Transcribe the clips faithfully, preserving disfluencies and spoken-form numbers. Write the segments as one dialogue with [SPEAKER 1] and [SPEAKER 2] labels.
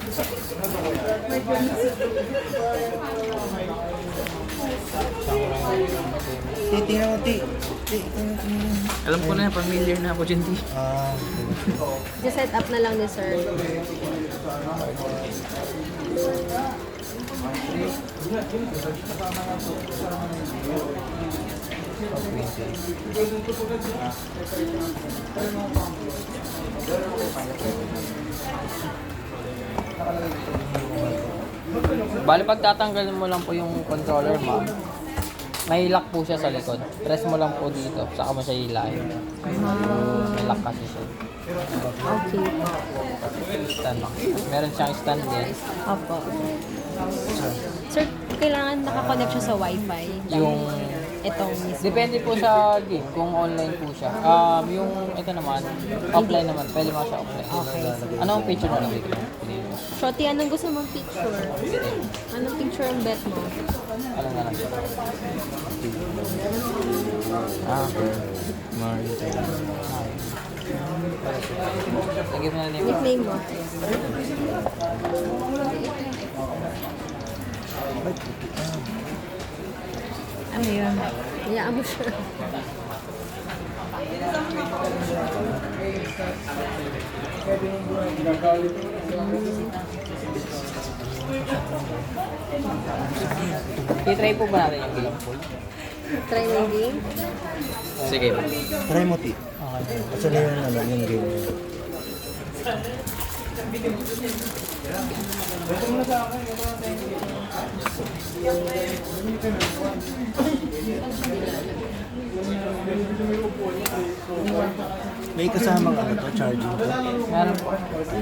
[SPEAKER 1] Titingnan mo, ti. Ti,
[SPEAKER 2] Alam ko na, familiar na ako dyan, T.
[SPEAKER 1] Ah,
[SPEAKER 3] Just set up na lang ni sir.
[SPEAKER 4] Bali, pag tatanggalin mo lang po yung controller, ma'am, may lock po siya sa likod. Press mo lang po dito, saka mo siya hilahin. May lock kasi siya.
[SPEAKER 3] Okay.
[SPEAKER 4] Stand lock. Meron siyang stand din.
[SPEAKER 3] Opo. Sir, kailangan nakakonect siya sa wifi.
[SPEAKER 4] Yung
[SPEAKER 3] Itong mismo.
[SPEAKER 4] depende po sa game kung online po siya. Um, yung ito naman, offline naman. Pwede mo siya offline.
[SPEAKER 3] Okay.
[SPEAKER 4] Ano ang picture na nabigay mo?
[SPEAKER 3] Shorty, anong gusto mong picture? Anong picture ang bet mo?
[SPEAKER 4] Ano na lang siya?
[SPEAKER 2] Ah, Mario.
[SPEAKER 4] Lagyan mo na name.
[SPEAKER 3] Nickname mo?
[SPEAKER 5] Ano yun?
[SPEAKER 3] Hayaan mo siya.
[SPEAKER 4] I-try po ba natin yung game pool?
[SPEAKER 3] Try na yung game.
[SPEAKER 2] Sige.
[SPEAKER 1] try mo, ti.
[SPEAKER 4] Okay.
[SPEAKER 1] Kasi na yung, ano, yung game. May kasamang ano to, charging to.
[SPEAKER 4] Meron po.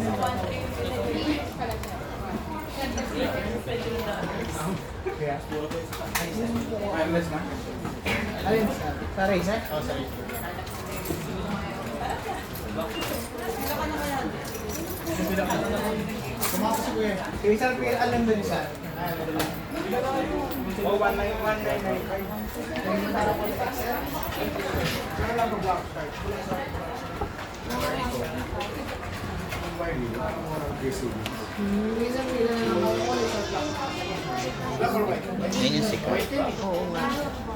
[SPEAKER 2] Yan yung secret.
[SPEAKER 3] Oo nga.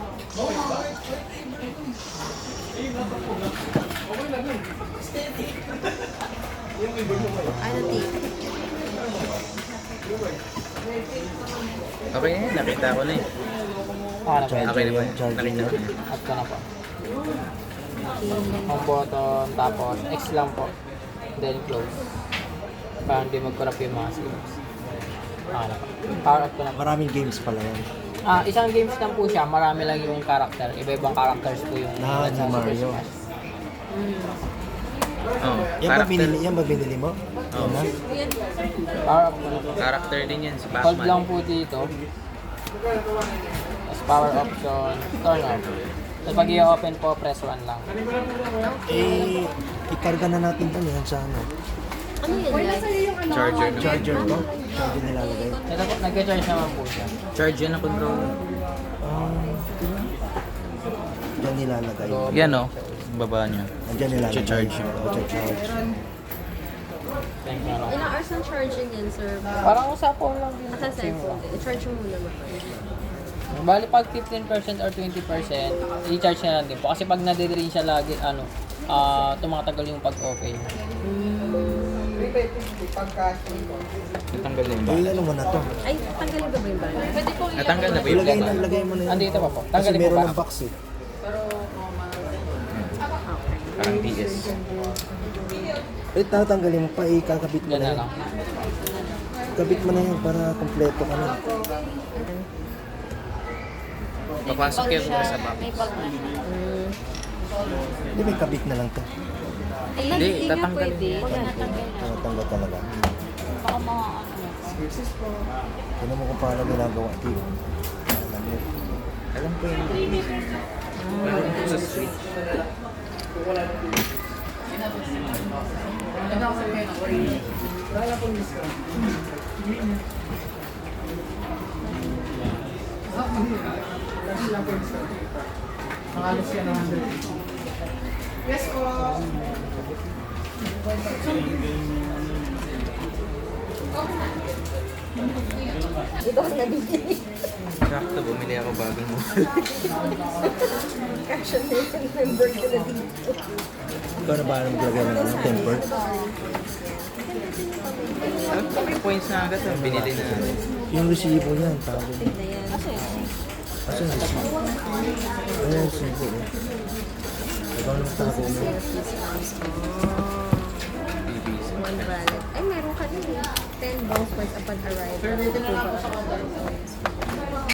[SPEAKER 3] Ano, T?
[SPEAKER 2] Okay na yan, nakita ko na eh.
[SPEAKER 4] Okay na po.
[SPEAKER 2] Okay na ba?
[SPEAKER 1] Charging
[SPEAKER 2] Nakita ko na.
[SPEAKER 4] At ko na po. Home button, tapos X lang po. Then close. Para hindi mag-corrupt yung mga screens. Okay na po. Power up ko na po.
[SPEAKER 1] Maraming games pala yan.
[SPEAKER 4] Ah, isang games lang po siya, marami lang yung character. Iba-ibang characters po yung
[SPEAKER 1] Na,
[SPEAKER 4] sa
[SPEAKER 1] ni
[SPEAKER 4] Super
[SPEAKER 1] Mario.
[SPEAKER 4] Smash.
[SPEAKER 2] Oh,
[SPEAKER 1] Yan ba
[SPEAKER 2] character,
[SPEAKER 1] binili, yan ba binili mo? Yan na?
[SPEAKER 4] Power up ko na po.
[SPEAKER 2] character din yan si
[SPEAKER 4] Hold lang
[SPEAKER 2] Batman.
[SPEAKER 4] po dito. Tapos power option, turn off. Tapos pag i-open po, press one lang.
[SPEAKER 1] Eh, ikarga na natin to yan sa ano.
[SPEAKER 3] Ano yan, guys?
[SPEAKER 2] Charger na.
[SPEAKER 1] Charger to? Charger nilalagay.
[SPEAKER 4] Ito po, nag-charge naman po siya.
[SPEAKER 2] Charge yan ang controller.
[SPEAKER 1] Ah, dyan nilalagay.
[SPEAKER 4] So,
[SPEAKER 2] Yan o, baba niya.
[SPEAKER 1] Dyan nilalagay.
[SPEAKER 2] Charge.
[SPEAKER 1] Charge.
[SPEAKER 4] thank you.
[SPEAKER 3] Ilang hours ang charging yan, sir?
[SPEAKER 4] Parang usapon lang din.
[SPEAKER 3] Nasa cellphone din. I-charge mo muna mo.
[SPEAKER 4] Bali pag fifteen percent or twenty percent, i-charge na lang din po. Kasi pag nade-drain siya lagi, ano, ah tumatagal yung pag-open.
[SPEAKER 2] Natanggal na yung
[SPEAKER 1] Eh,
[SPEAKER 2] bala.
[SPEAKER 1] ano mo na to?
[SPEAKER 3] Ay, tanggalin ba ba yung bala? Pwede po
[SPEAKER 2] Natanggal na ba yung
[SPEAKER 1] Ilagay
[SPEAKER 2] bala?
[SPEAKER 1] na, lagay mo na yan.
[SPEAKER 4] Andito pa po.
[SPEAKER 1] Kasi
[SPEAKER 4] Tanggalin mo
[SPEAKER 1] meron
[SPEAKER 4] pa.
[SPEAKER 1] ng box eh.
[SPEAKER 2] Parang D S.
[SPEAKER 1] Eh, tatanggalin mo pa, eh, kakabit mo
[SPEAKER 4] Yan
[SPEAKER 1] na
[SPEAKER 4] na
[SPEAKER 1] yan.
[SPEAKER 4] lang.
[SPEAKER 1] Kabit mo na yan para kompleto ka na.
[SPEAKER 2] Papasok kayo muna sa box.
[SPEAKER 1] Hindi, may kabit na lang to.
[SPEAKER 2] Hindi, tatanggalin.
[SPEAKER 1] Tinatanggal talaga. Tignan mo kung paano ginagawa. Tignan mo. Alam mo.
[SPEAKER 2] Alam ko yun. Meron po sa switch.
[SPEAKER 3] Yes, po.
[SPEAKER 2] Ito ang nabibili.
[SPEAKER 6] Sakto, bumili ako bagong mo.
[SPEAKER 2] Cash on me, member ko na dito.
[SPEAKER 1] Ikaw na ba alam talaga ng ano, temper?
[SPEAKER 6] Ah, may points na agad ang binili na.
[SPEAKER 1] Yung resibo niyan, tawag. Asa yung resibo? Ano yung resibo? eh? Ikaw na tago mo.
[SPEAKER 2] One valid. Ay, meron ka din eh. ten bounce points upon arrival.